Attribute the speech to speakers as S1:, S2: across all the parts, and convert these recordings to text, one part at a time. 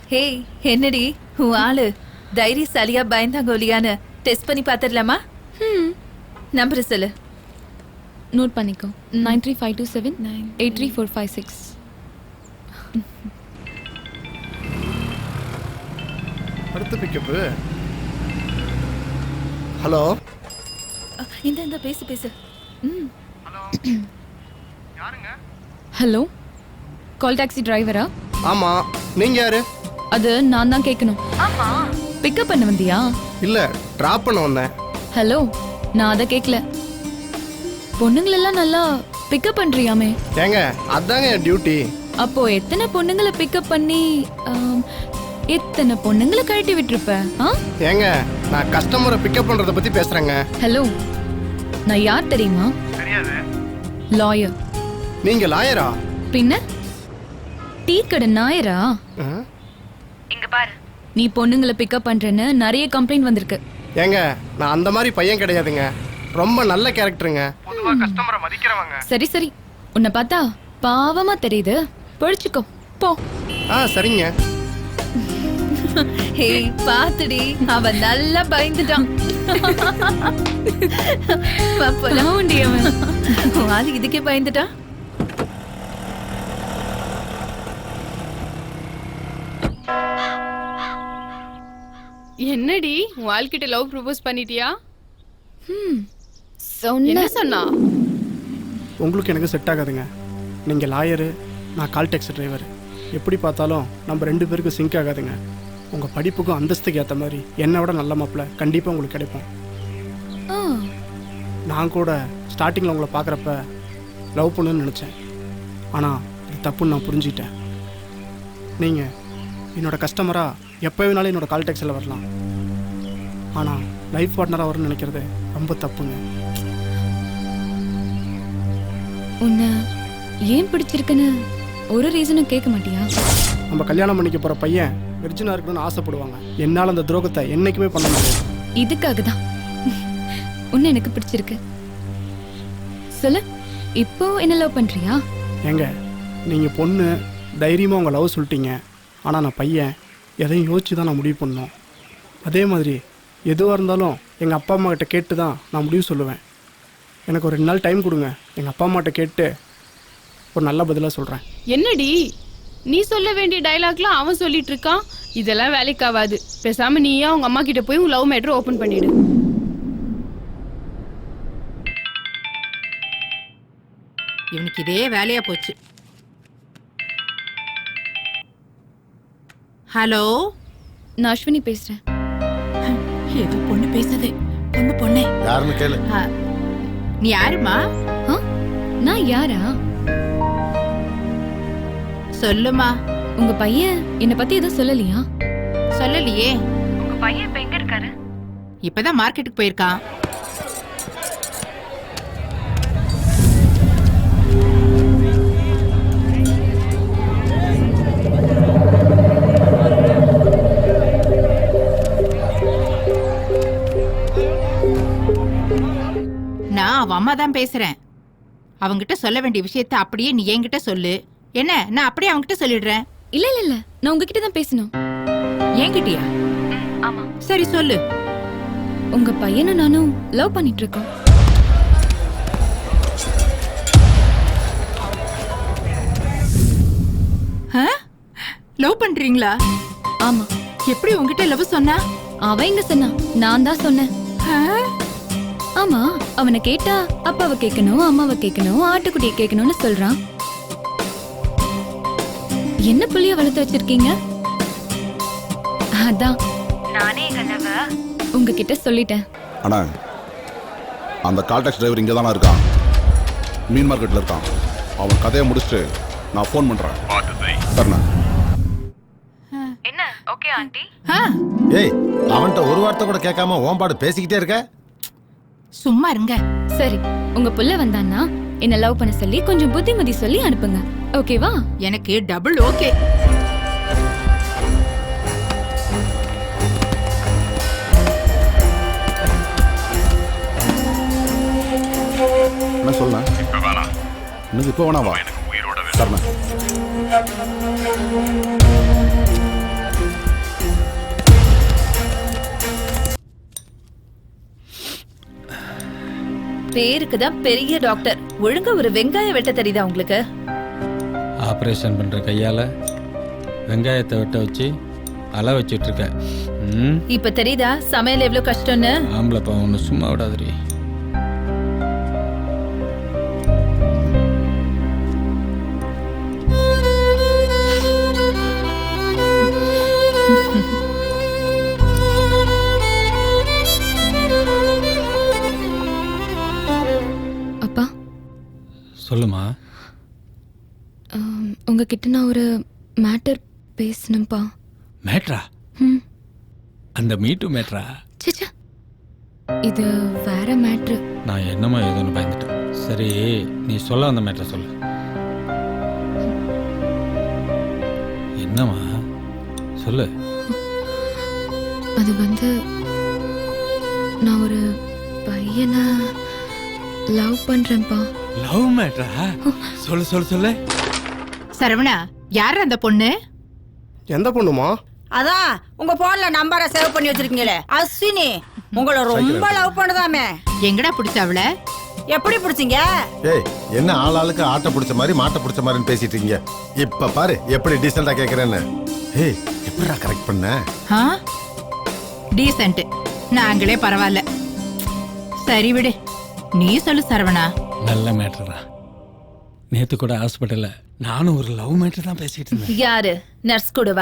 S1: ஹே என்னடி உன் ஆளு தைரியசாலியா பயந்தாங்கோலியான்னு டெஸ்ட் பண்ணி பாத்துடலாமா? நம்பர் சொல்லு.
S2: நோட் பண்ணிக்கோ. 9352783456.
S3: அடுத்த பிக்கப்பு. ஹலோ.
S1: இந்த பேசு பேசு.
S3: ஹலோ. யாருங்க?
S2: ஹலோ, கால் டாக்ஸி டிரைவரா?
S3: ஆமா, நீங்க யாரு?
S2: அது நான் தான் கேட்கணும்.
S1: ஆமா,
S2: பிக்கப் பண்ண வந்தியா?
S3: இல்ல, டிராப் பண்ண வந்தேன்.
S2: ஹலோ, நான் அதை கேட்கல. பொண்ணுங்களெல்லாம் நல்லா பிக்கப் பண்றியாமே.
S3: ஏங்க, அதாங்க என் டியூட்டி.
S2: அப்போ எத்தனை பொண்ணுங்களை பிக்கப் பண்ணி எத்தனை பொண்ணுங்களை கழட்டி விட்டுருப்ப?
S3: ஏங்க, நான் கஸ்டமரை பிக்கப் பண்றத பத்தி பேசுறேங்க.
S2: ஹலோ, நான் யார் தெரியுமா?
S3: தெரியாது.
S2: லாயர்.
S3: நீங்க லாயரா?
S2: பின்ன டீ கடை நாயரா? இங்க பாரு, நீ பொண்ணுங்களை பிக்கப் பண்றேன்னு நிறைய கம்ப்ளைண்ட் வந்திருக்கு.
S3: ஏங்க, நான் அந்த மாதிரி பையன் கிடையாதுங்க. ரொம்ப நல்ல கேரக்டருங்க. பொதுவா கஸ்டமரை மதிக்கிறவங்க.
S2: சரி சரி, உன்னை பார்த்தா பாவமா தெரியுது. பொழிச்சுக்கோ போ.
S3: சரிங்க.
S1: ஹே பாத்துடி, அவன் நல்லா பயந்துட்டான். ஆளு இதுக்கே பயந்துட்டான்.
S4: என்னடி உன் ஆள்கிட்ட லவ் ப்ரொபோஸ் பண்ணிட்டியா?
S2: என்ன
S4: சொன்னா?
S3: உங்களுக்கு எனக்கு செட் ஆகாதுங்க. நீங்க லாயரு, நான் கால் டாக்ஸி டிரைவர். எப்படி பார்த்தாலும் நம்ம 2 பேருக்கும் சிங்க் ஆகாதுங்க. உங்கள் படிப்புக்கும் அந்தஸ்துக்கு ஏற்ற மாதிரி என்னை விட நல்ல மாப்பிள்ளை கண்டிப்பாக உங்களுக்கு கிடைப்போம். நான் கூட ஸ்டார்டிங்கில் உங்களை பார்க்குறப்ப லவ் பண்ணுன்னு நினச்சேன். ஆனால் இது தப்புன்னு நான் புரிஞ்சுக்கிட்டேன். நீங்கள் என்னோடய கஸ்டமராக எப்போ வேணாலும் என்னோடய கால் டாக்ஸியில் வரலாம். ஆனால் லைஃப் பார்ட்னராக வரும்னு நினைக்கிறது ரொம்ப தப்புங்க.
S2: உன்னை ஏன் பிடிச்சிருக்குன்னு ஒரு ரீசனும் கேட்க மாட்டியா?
S3: நம்ம கல்யாணம் பண்ணிக்க போகிற பையன் விர்ஜினாக இருக்கணும்னு ஆசைப்படுவாங்க. என்னால் அந்த துரோகத்தை என்றைக்குமே பண்ண முடியாது.
S2: இதுக்காக தான் உன்னை எனக்கு பிடிச்சிருக்கு. சொல்லு, இப்போ என்ன லவ் பண்ணுறியா?
S3: ஏங்க, நீங்கள் பொண்ணு தைரியமாக உங்கள் லவ் சொல்லிட்டீங்க. ஆனால் நான் பையன், எதையும் யோசிச்சு தான் நான் முடிவு பண்ணோம். அதே மாதிரி எதுவாக இருந்தாலும் எங்கள் அப்பா அம்மா கிட்ட கேட்டு தான் நான் முடிவு சொல்லுவேன். எனக்கு ஒரு 2 நாள் டைம் கொடுங்க. எங்கள் அப்பா அம்மாட்ட கேட்டு ஒரு நல்ல பதிலாக சொல்கிறேன்.
S4: என்னடி நீ சொல்ல வேண்டிய டைலாக்லாம் அவன் சொல்லிட்டு இருக்கான். இதெல்லாம் வேலைக்கு ஆகாது. பேசாம நீயா உங்க அம்மா கிட்ட போய் உன் லவ் மேட்டர் ஓபன் பண்ணிடு.
S5: இவனுக்கு இதே வேலையா போச்சு. ஹலோ,
S2: நான் அஸ்வினி பேசுறேன்.
S5: ஏதோ பொண்ணு பேசுது. பொண்ணு
S6: யாருன்னு கேளு.
S5: நீ யாருமா?
S2: நான் யாரா?
S5: சொல்லுமா.
S2: உங்க பையன் என்ன பத்தி எதுவும் சொல்லலையா?
S5: சொல்லலையே.
S1: உங்க பையன் இப்ப எங்க இருக்காரு?
S5: இப்பதான் மார்க்கெட்டுக்கு போயிருக்கான். நான் அவன் அம்மா தான் பேசுறேன். அவங்கிட்ட சொல்ல வேண்டிய விஷயத்த அப்படியே நீ என்கிட்ட சொல்லு. என்ன, நான் அப்படியே அவங்கிட்ட சொல்லிடுறேன்.
S2: இல்ல இல்ல இல்ல, நான் உங்ககிட்ட தான் பேசணும்.
S5: என்கிட்டயா?
S2: ஆமா.
S5: சரி சொல்லு.
S2: உங்க பையனும் நானும் லவ் பண்ணிட்டு இருக்கோம்.
S5: லவ் பண்றீங்களா?
S2: ஆமா.
S5: எப்படி உங்ககிட்ட லவ் சொன்னா?
S2: அவன் எங்க சொன்னா? நான் தான் சொன்னேன். ஆமா, அவனை கேட்டா அப்பாவை கேட்கணும், அம்மாவை கேட்கணும், ஆட்டுக்குட்டியை கேட்கணும்னு சொல்றான். என்ன புள்ளிய வளர்த்து வச்சிருக்கீங்க? அதான் நானே கனவ உங்ககிட்ட சொல்லிட்டேன்.
S6: அண்ணா, அந்த கால் டாக்ஸி டிரைவர் இங்கே தானே இருக்கான். மீன் மார்க்கெட்டில் இருக்கான். அவன் கதையை முடிச்சுட்டு நான் ஃபோன் பண்ணுறேன். சரிண்ணா.
S1: என்ன ஓகே ஆண்டி?
S6: ஏய், அவன்கிட்ட ஒரு வார்த்தை கூட கேட்காம ஓம்பாடு பேசிக்கிட்டே இருக்க.
S5: சும்மா இருங்க.
S2: சரி, உங்க புள்ள வந்தான்னா என்ன லவ் பண்ண சொல்லி கொஞ்சம் புத்திமதி சொல்லி அனுப்புங்க. ஓகேவா?
S5: எனக்கு டபுள் ஓகே.
S6: என்ன சொல்ல? இன்னும் இப்போ வேணாவா? சரிண்ணா.
S1: பேருக்கு தான் பெரிய டாக்டர். ஒழுங்கா ஒரு வெங்காயம் வெட்ட தெரியுதா உங்களுக்கு?
S7: ஆப்ரேஷன் பண்ணுற கையால் வெங்காயத்தை வெட்ட வச்சு அலை வச்சுட்டு இருக்க.
S1: இப்ப தெரியுதா சமையல் எவ்வளவு கஷ்டம்னு?
S7: ஆம்பளைப்பா ஒன்று சும்மா விடாதீ.
S2: அப்பா
S7: சொல்லுமா.
S2: உங்ககிட்ட நான் ஒரு மேட்டர் பேசணும்ப்பா.
S7: மேட்ரா?
S2: ம்
S7: அந்த மீட்டு மேட்ரா?
S2: சிச்சா, இது வேற மேட்ரு.
S7: நான் என்னமோ ஏதோன்னு பயந்துட்டேன். சரி, நீ சொல்ல அந்த மேட்ரை சொல்லு. என்னம்மா சொல்லு.
S2: அது வந்து நான் ஒரு பையனை லவ் பண்றேன்ப்பா.
S7: லவ் மேட்ரா? சொல்லு சொல்லு சொல்லு.
S5: சரவணா, யார் அந்த பொண்ணு?
S3: எந்த பொண்ணுமா?
S8: அதான் உங்க போன்ல நம்பரை சேவ் பண்ணி வச்சிருக்கீங்களே, அஸ்வினி. உங்களை ரொம்ப லவ் பண்ணதாமே.
S5: எங்கடா பிடிச்ச அவள?
S8: எப்படி பிடிச்சீங்க?
S9: ஏய், என்ன ஆளாளுக்கு ஆட்டை பிடிச்ச மாதிரி மாட்டை பிடிச்ச மாதிரின்னு பேசிட்டு இருக்கீங்க. இப்ப பாரு எப்படி டீசெண்டா கேக்குறேன்னு. ஏய், எப்படிடா கரெக்ட் பண்ண?
S5: டீசென்ட் நாங்களே பரவாயில்ல. சரி விடு, நீ சொல்லு சரவணா.
S7: நல்ல மேட்ரா. நேத்து கூட ஹாஸ்பிட்டல்ல நானும் ஒரு லவ் மேட்டர் தான் பேசிட்டு இருந்தேன்.
S1: யாரு? நர்ஸ் கூடவா?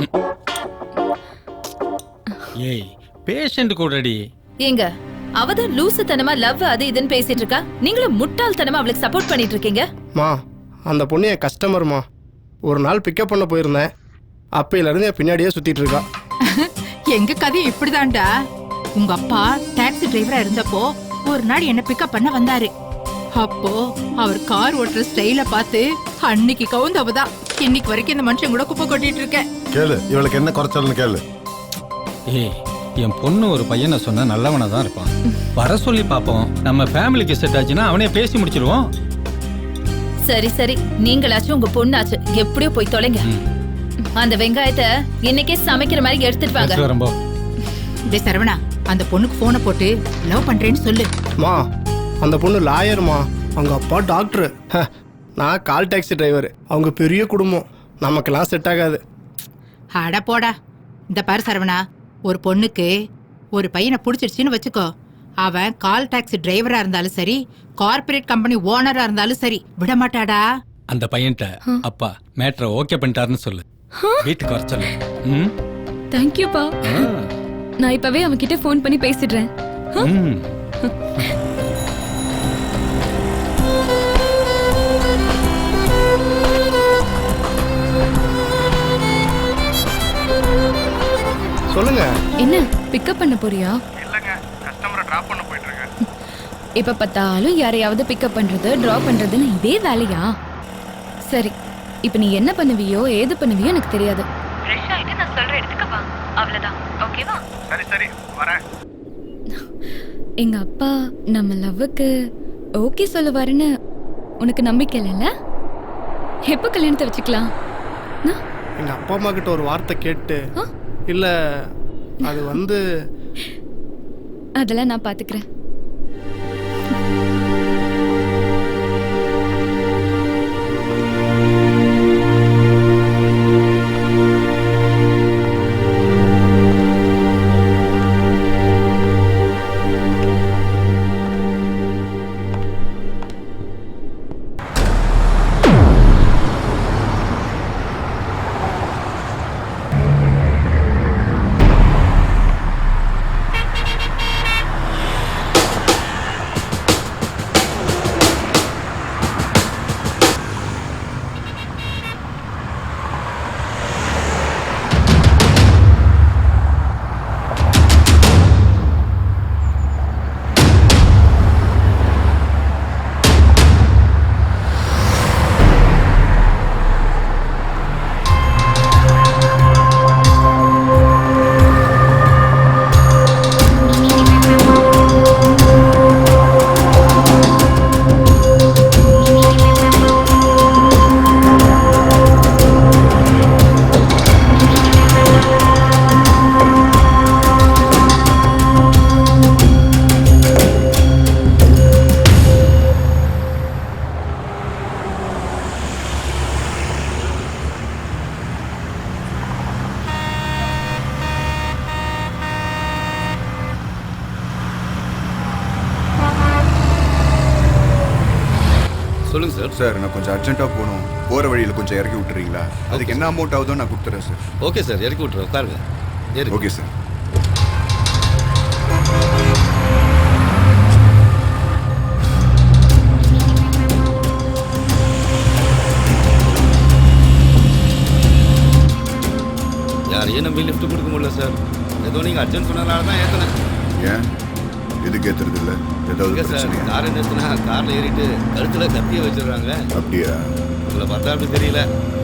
S7: ஏய், பேஷண்ட் கூடடி.
S1: ஏங்க, அவதான் லூசுத்தனமா லவ் அது இதுன்னு பேசிட்டு இருக்கா. நீங்களும் முட்டாள்தனமா அவளுக்கு சப்போர்ட் பண்ணிட்டு இருக்கீங்க.
S3: மா, அந்த பொண்ணு என் கஸ்டமர்மா. ஒரு நாள் பிக்கப் பண்ண போயிருந்தேன். அப்பையிலிருந்து என் பின்னாடியே சுத்திட்டு இருக்கா.
S5: எங்க கதை இப்படிதான்டா. உங்க அப்பா டாக்ஸி டிரைவரா இருந்தப்போ ஒரு நாள் என்ன பிக்கப் பண்ண வந்தாரு. அப்போ அவர் கார் ஓட்டுற ஸ்டைல பார்த்து அன்னைக்கு கவுந்தவதான். இன்னைக்கு வரைக்கும் இந்த மனுஷன் கூட குப்பை கொட்டிட்டு இருக்கேன்.
S9: கேளு, இவளுக்கு என்ன குறைச்சல்னு கேளு.
S7: ஏய், என் பொண்ணு ஒரு பையனை சொன்னா நல்லவனா தான் இருப்பான். வர சொல்லி பாப்போம். நம்ம ஃபேமிலிக்கு செட் ஆச்சுன்னா அவனே பேசி முடிச்சிருவோம்.
S1: சரி சரி, நீங்களாச்சும் உங்க பொண்ணாச்சு எப்படியோ போய் தொலைங்க. அந்த வெங்காயத்தை இன்னைக்கே சமைக்கிற மாதிரி எடுத்துட்டு வாங்க.
S7: வரம்போ.
S5: டேய் சரவணா, அந்த பொண்ணுக்கு போனை போட்டு லவ் பண்றேன்னு சொல்லு.
S3: மா, அந்த பொண்ணு லாயர்மா. அவங்க அப்பா டாக்டரு. நான் கால் டாக்ஸி டிரைவர். அவங்க பெரிய குடும்பம். நமக்கெல்லாம் செட் ஆகாது.
S5: அட போடா. இந்த பாரு சரவணா, ஒரு பொண்ணுக்கு ஒரு பையனை பிடிச்சிருச்சுன்னு வச்சுக்கோ, அவன் கால் டாக்ஸி டிரைவரா இருந்தாலும் சரி, கார்பரேட் கம்பெனி ஓனரா இருந்தாலும் சரி, விட மாட்டாடா.
S7: அந்த பையன்ட்ட அப்பா மேட்ரை ஓகே பண்ணிட்டாருன்னு சொல்லு. வீட்டுக்கு வர சொல்லு.
S2: தேங்க்யூப்பா. நான் இப்பவே அவன்கிட்ட ஃபோன் பண்ணி பேசிடுறேன்.
S3: சொல்லுங்க.
S2: என்ன பிக்கப் பண்ண போறியா?
S3: இல்லங்க, கஸ்டமரை டிராப் பண்ண போயிட்டு இருக்கேன்.
S2: இப்ப பார்த்தாலும் யாரையாவது பிக்கப் பண்றது டிராப் பண்றதுன்னு இதே வேலையா? சரி, இப்ப நீ என்ன பண்ணுவியோ ஏது பண்ணுவியோ எனக்கு தெரியாது. ஃப்ரெஷ் ஆயிட்டு நான் சொல்ற இடத்துக்கு வா, அவ்வளவுதான். ஓகேவா?
S3: சரி சரி, வரேன்.
S2: எங்க அப்பா நம்ம லவ்வுக்கு ஓகே சொல்லுவாருன்னு உனக்கு நம்பிக்கை இல்லைல்ல? எப்போ கல்யாணத்தை வச்சுக்கலாம்?
S3: எங்க அப்பா அம்மா கிட்ட ஒரு வார்த்தை கேட்டு இல்ல, அது வந்து
S2: அதெல்லாம் நான் பாத்துக்கிறேன்.
S10: சொல்லுங்க சார்.
S11: சார் நான் கொஞ்சம் அர்ஜென்ட்டாக போகணும், போகிற வழியில் கொஞ்சம் இறக்கி விட்டுறீங்களா? அதுக்கு என்ன அமௌண்ட் ஆகுதோ நான் கொடுத்துறேன் சார்.
S10: ஓகே சார், இறக்கி விட்டுறேன், உட்காருங்க.
S11: Okay sir.
S10: யாரையும் நம்பி லிஃப்ட் கொடுக்க முடியல சார். ஏதோ நீங்கள் அர்ஜென்ட் சொன்னதுனால தான் ஏற்றினேன்.
S11: ஏன் எதுக்கு ஏற்றுறது இல்லை? ஏதாவது
S10: சார்
S11: பிரச்சனையா?
S10: கார் நிறுத்தினா காரில் ஏறிட்டு கழுத்தில் கத்தியை வச்சிடுறாங்க.
S11: அப்படியா?
S10: உங்களை பார்த்தா அப்படி தெரியல.